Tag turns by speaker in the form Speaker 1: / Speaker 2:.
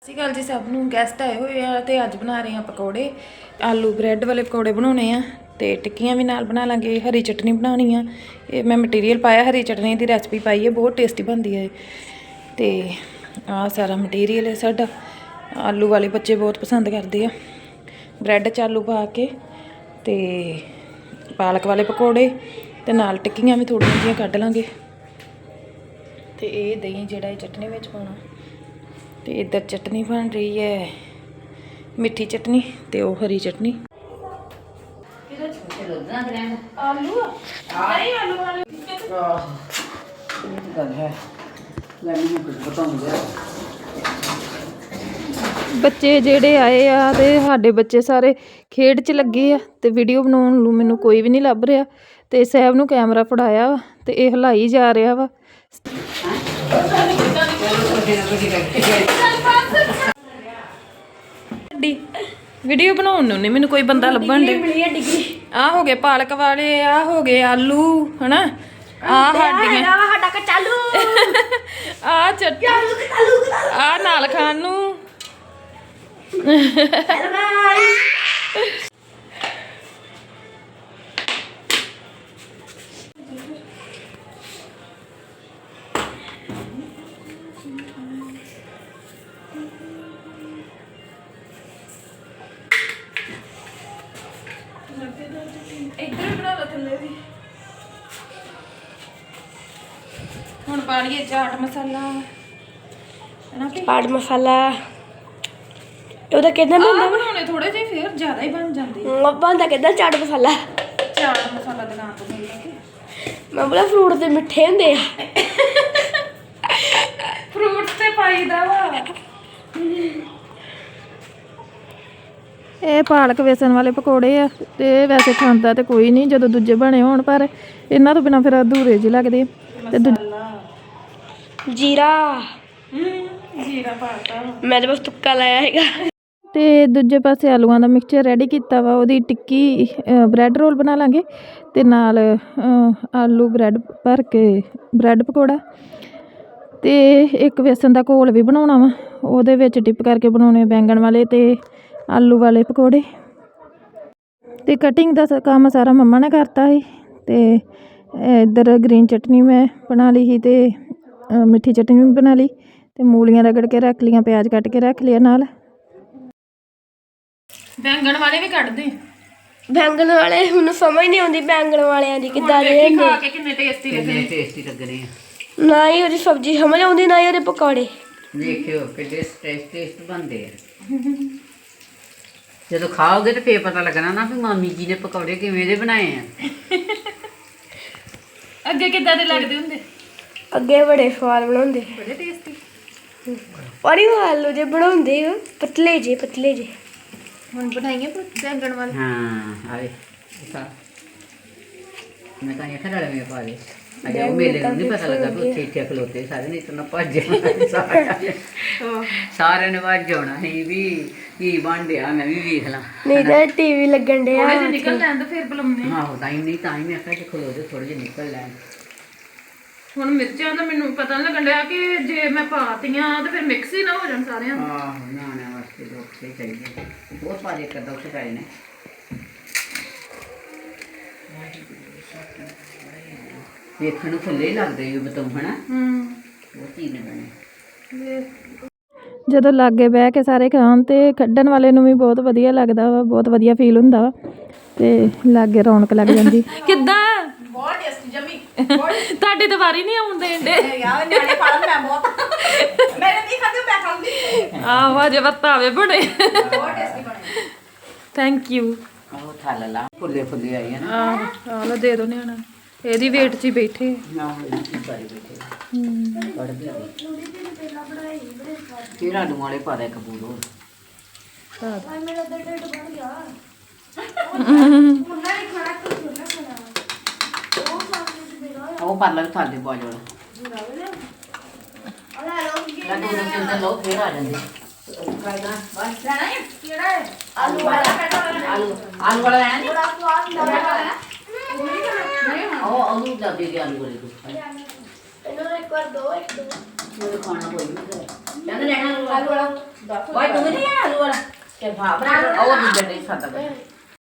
Speaker 1: ਸਤਿ ਸ਼੍ਰੀ ਅਕਾਲ ਜੀ ਸਭ ਨੂੰ। ਗੈਸਟ ਆਏ ਹੋਏ ਆ ਤੇ ਅੱਜ ਬਣਾ ਰਹੇ ਆ ਪਕੌੜੇ। ਆਲੂ ਬ੍ਰੈਡ ਵਾਲੇ ਪਕੌੜੇ ਬਣਾਉਣੇ ਆ ਤੇ ਟਿੱਕੀਆਂ ਵੀ ਨਾਲ ਬਣਾ ਲਾਂਗੇ। ਹਰੀ ਚਟਨੀ ਬਣਾਉਣੀ ਆ। ਇਹ ਮੈਂ ਮਟੀਰੀਅਲ ਪਾਇਆ, ਹਰੀ ਚਟਨੀ ਦੀ ਰੈਸਪੀ ਪਾਈ ਹੈ, ਬਹੁਤ ਟੇਸਟੀ ਬਣਦੀ ਹੈ। ਤੇ ਆਹ ਸਾਰਾ ਮਟੀਰੀਅਲ ਹੈ ਸਾਡਾ। ਆਲੂ ਵਾਲੇ ਬੱਚੇ ਬਹੁਤ ਪਸੰਦ ਕਰਦੇ ਆ। ਬ੍ਰੈਡ 'ਚ ਆਲੂ ਪਾ ਕੇ ਤੇ ਪਾਲਕ ਵਾਲੇ ਪਕੌੜੇ ਤੇ ਨਾਲ ਟਿੱਕੀਆਂ ਵੀ ਥੋੜ੍ਹੀਆਂ ਜਿਹੀਆਂ ਕੱਢ ਲਾਂਗੇ। ਤੇ ਇਹ ਦਹੀਂ ਜਿਹੜਾ ਇਹ ਚਟਨੀ ਵਿੱਚ ਪਾਉਣਾ। ਤੇ इधर चटनी बन रही है, मिठी चटनी ते वो हरी चटनी। बच्चे जेड़े आए आ ते साडे बच्चे सारे खेड च लगे आ ते वीडियो बनाउण नूं मैनूं कोई भी नहीं लभ रहा ते सैब नूं कैमरा फड़ाया वा ते इह हिलाई जा रहा वा। वीडियो बनाउण नूं नहीं मैनूं कोई बंदा लभण दे। आ हो गए पालक वाले, आ हो गए आलू, है ना, आ हड्डियां, आ चटनी, आ नाल खाण नूं। इधर बना लो थल्ले भी। हुण पा लईए चाट मसाला,
Speaker 2: चाट मसाला ਉਹਦਾ ਕਿਦਾਂ ਬਣਦਾ?
Speaker 1: ਬਣਾਉਣੇ ਥੋੜੇ ਜਿਹੇ ਫਿਰ ਜ਼ਿਆਦਾ ਹੀ ਬਣ ਜਾਂਦੇ।
Speaker 2: ਬਣਦਾ ਕਿਦਾਂ ਚਾਟ ਮਸਾਲਾ?
Speaker 1: ਚਾਟ ਮਸਾਲਾ ਦੁਕਾਨ ਤੋਂ ਮਿਲ ਜਾਂਦੇ।
Speaker 2: ਮੈਂ ਬੋਲਾ ਫਰੂਟ ਦੇ ਮਿੱਠੇ ਹੁੰਦੇ ਆ।
Speaker 1: ਫਰੂਟਸ ਤੇ ਪਾਈਦਾ ਵਾ। ਇਹ ਪਾਲਕ ਵੇਸਣ ਵਾਲੇ ਪਕੌੜੇ ਆ ਤੇ ਵੈਸੇ ਖਾਂਦਾ ਤੇ ਕੋਈ ਨਹੀਂ ਜਦੋਂ ਦੂਜੇ ਬਣੇ ਹੋਣ, ਪਰ ਇਹਨਾਂ ਤੋਂ ਬਿਨਾਂ ਫਿਰ ਅਧੂਰੇ ਜਿਹੇ ਲੱਗਦੇ। ਤੇ
Speaker 2: ਜੀਰਾ
Speaker 1: ਪਾਤਾ
Speaker 2: ਮੈਂ ਤਾਂ ਬਸ ਤੁੱਕਾ ਲਾਇਆ ਹੈਗਾ।
Speaker 1: ਤੇ ਦੂਜੇ ਪਾਸੇ ਆਲੂਆਂ ਦਾ ਮਿਕਸਚਰ ਰੈਡੀ ਕੀਤਾ ਵਾ। ਉਹਦੀ ਟਿੱਕੀ ਬ੍ਰੈਡ ਰੋਲ ਬਣਾ ਲਾਂਗੇ ਤੇ ਨਾਲ ਆਲੂ ਬ੍ਰੈਡ ਭਰ ਕੇ ਬ੍ਰੈਡ ਪਕੌੜਾ ਤੇ ਇੱਕ ਵੇਸਣ ਦਾ ਘੋਲ ਵੀ ਬਣਾਉਣਾ ਵਾ। ਉਹਦੇ ਵਿੱਚ ਡਿਪ ਕਰਕੇ ਬਣਾਉਣੇ ਬੈਂਗਣ ਵਾਲੇ ਤੇ ਆਲੂ ਵਾਲੇ ਪਕੌੜੇ। ਤੇ ਕਟਿੰਗ ਦਾ ਕੰਮ ਸਾਰਾ ਮੰਮਾ ਨੇ ਕਰਤਾ ਸੀ। ਤੇ ਇੱਧਰ ਗ੍ਰੀਨ ਚਟਨੀ ਮੈਂ ਬਣਾ ਲਈ ਸੀ ਤੇ ਮਿੱਠੀ ਚਟਨੀ ਵੀ ਬਣਾ ਲਈ ਤੇ ਮੂਲੀਆਂ ਰਗੜ ਕੇ ਰੱਖ ਲਈਆਂ, ਪਿਆਜ਼ ਕੱਟ ਕੇ ਰੱਖ ਲਿਆ ਨਾਲ। ਬੈਂਗਣ ਵਾਲੇ ਵੀ ਕੱਢ ਦੇ।
Speaker 2: ਬੈਂਗਣ ਵਾਲੇ ਮੈਨੂੰ ਸਮਝ ਨਹੀਂ ਆਉਂਦੀ ਬੈਂਗਣ ਵਾਲਿਆਂ ਦੀ ਕਿੱਦਾਂ ਦੇ ਹੁੰਦੇ।
Speaker 1: ਖਾ ਕੇ ਕਿੰਨੇ ਟੇਸਟੀ ਲੱਗਣੇ
Speaker 2: ਆ। ਨਾ ਹੀ ਉਹਦੀ ਸਬਜ਼ੀ ਸਮਝ ਆਉਂਦੀ, ਨਾ ਹੀ ਉਹਦੇ ਪਕੌੜੇ।
Speaker 3: ਦੇਖਿਓ ਕਿੱਡੇ ਟੇਸਟ ਬਣਦੇ ਆ। ਜਦੋਂ ਖਾਓਗੇ ਤੇ ਫੇਰ ਪਤਾ ਲੱਗਣਾ ਨਾ ਵੀ ਮਾਮੀ ਜੀ ਨੇ ਪਕੌੜੇ ਕਿਵੇਂ ਦੇ ਬਣਾਏ ਆ।
Speaker 1: ਅੱਗੇ ਕਿੱਦਾਂ ਦੇ ਲੱਗਦੇ ਹੁੰਦੇ?
Speaker 2: ਅੱਗੇ ਬੜੇ ਸਵਾਦ ਬਣਾਉਂਦੇ,
Speaker 1: ਬੜੇ ਟੇਸਟੀ।
Speaker 2: ਪਰ ਇਹ ਆਲੂ ਜੇ ਬਣਾਉਂਦੇ ਪਤਲੇ ਜੇ।
Speaker 1: ਹੁਣ ਬਣਾਈਏ ਬੈਂਗਣ ਵਾਲੇ।
Speaker 3: ਹਾਂ ਆਏ ਮੈਂ ਤਾਂ ਇਹ ਖੜਾ ਲਵੇਂ ਪਾ ਦੇ। ਅਜੇ ਉਹ ਮੇਲੇ ਨੂੰ ਨਹੀਂ ਪਤਾ ਲੱਗਾ ਵੀ ਉੱਥੇ ਇੱਥੇ ਖਲੋਤੇ ਸਾਰੇ, ਨਹੀਂ ਤਾਂ ਭੱਜ ਸਾਰਿਆਂ ਨੇ ਭੱਜ ਜਾਣਾ ਸੀ ਵੀ ਕੀ ਬਣ ਡਿਆ, ਮੈਂ ਵੀ ਵੇਖ ਲਾਂ।
Speaker 2: ਨਹੀਂ ਤਾਂ ਟੀਵੀ ਲੱਗਣ ਡਿਆ।
Speaker 1: ਥੋੜੇ ਜਿਹੇ ਨਿਕਲ ਲੈਣ ਤਾਂ ਫਿਰ ਬੁਲਾਉਂਦੇ।
Speaker 3: ਆਹੋ ਤਾਂ ਹੀ ਮੈਂ ਆਖਿਆ ਕਿ ਖਲੋ ਜਾ ਥੋੜੇ ਜਿਹੇ ਨਿਕਲ ਲੈਣ।
Speaker 1: ਹੁਣ ਮਿਰਚਾਂ ਦਾ ਮੈਨੂੰ ਪਤਾ ਨਹੀਂ ਲੱਗਣ ਡਿਆ ਕਿ ਜੇ ਮੈਂ ਪਾਤੀਆਂ ਤਾਂ ਫਿਰ ਮਿਕਸ ਹੀ ਨਾ ਹੋ ਜਾਣ ਸਾਰਿਆਂ ਨੂੰ।
Speaker 3: ਆਹੋ ਨਾ ਵਾਸਤੇ ਲੋਕ ਚਾਹੀਦੇ ਬਹੁਤ ਸਾਰੇ ਕਰਦਾ ਉੱਥੇ ਪਏ ਨੇ। ਵੇਖਣ ਨੂੰ ਫੁੱਲੇ ਹੀ ਲੱਗਦੇ ਵੀ ਬਤੂ ਹਨਾ। ਬਹੁਤ ਚੀਜ਼ ਨੇ ਬਣੇ।
Speaker 1: ਜਦੋਂ ਲਾਗੇ ਬਹਿ ਕੇ ਸਾਰੇ ਖਾਣ ਤੇ ਕੱਢਣ ਵਾਲੇ ਨੂੰ ਵੀ ਬਹੁਤ ਵਧੀਆ ਲੱਗਦਾ ਵਾ, ਬਹੁਤ ਵਧੀਆ ਫੀਲ ਹੁੰਦਾ ਵਾ ਤੇ ਲਾਗੇ ਰੌਣਕ ਲੱਗ ਜਾਂਦੀ। ਕਿੱਦਾਂ? ਬਹੁਤ ਟੇਸਟੀ ਜਮੀ। ਤੁਹਾਡੀ ਤਾਂ ਵਾਰੀ ਨਹੀਂ ਆਉਣ ਦੇਣ ਡੇ ਯਾਰ। ਨਿਆਣੇ ਖਾ ਲੈਣ, ਮੈਂ ਬਹੁਤ ਮੈਂ ਨਹੀਂ ਖਾਂਦੀ, ਮੈਂ ਖਾਂਦੀ। ਆਹ ਅਜੇ ਵਰਤਾਵੇ ਬਣੇ, ਬਹੁਤ ਟੇਸਟੀ ਬਣੇ। Thank you.
Speaker 3: ਉਹ ਥਾਲਾ ਲਾ ਫੁੱਲੇ ਆਈ ਹੈ ਨਾ।
Speaker 1: ਆਹ ਲੋ ਦੇ ਦੋ ਨਿਆਣਾ, ਇਹਦੀ ਵੇਟ 'ਚ ਹੀ ਬੈਠੇ
Speaker 3: ਨਾ ਹੋਈ ਬਾਰੀ ਬੈਠੇ। ਫਿਰ ਆਲੂ ਵਾਲੇ ਪਾ ਦੇ ਕਬੂਲ ਹੋਰ।
Speaker 2: ਮੇਰਾ ਤਾਂ ਢਿੱਡ ਬਣ ਗਿਆ।
Speaker 3: ਉਹ ਪਾ ਲੈ ਥਾਲੇ ਬਾਜ ਵਾਲਾ। ਲੋ ਫਿਰ ਆ ਜਾਂਦੇ। ਆਲੂ ਵਾਲਾ ਲੈਣਾ ਨਹੀਂ। ਉਹ ਆਲੂ ਦਾ ਦੇ ਆਲੂ ਵਾਲੇ ਤੋਂ।
Speaker 2: ਇਹਨੂੰ ਇੱਕ ਵਾਰ ਦੋ
Speaker 3: ਮੇਰੇ ਖਾਣਾ ਕੋਈ ਨਹੀਂ। ਕਹਿੰਦੇ ਲੈਣਾ ਆਲੂ ਵਾਲਾ ਓਏ ਤੂੰ ਨਹੀਂ ਲੈਣਾ ਆਲੂ ਵਾਲਾ ਤੇ ਭਾ ਬਣਾ ਉਹ ਦੂਜਾ ਨਹੀਂ ਸਾਦਾ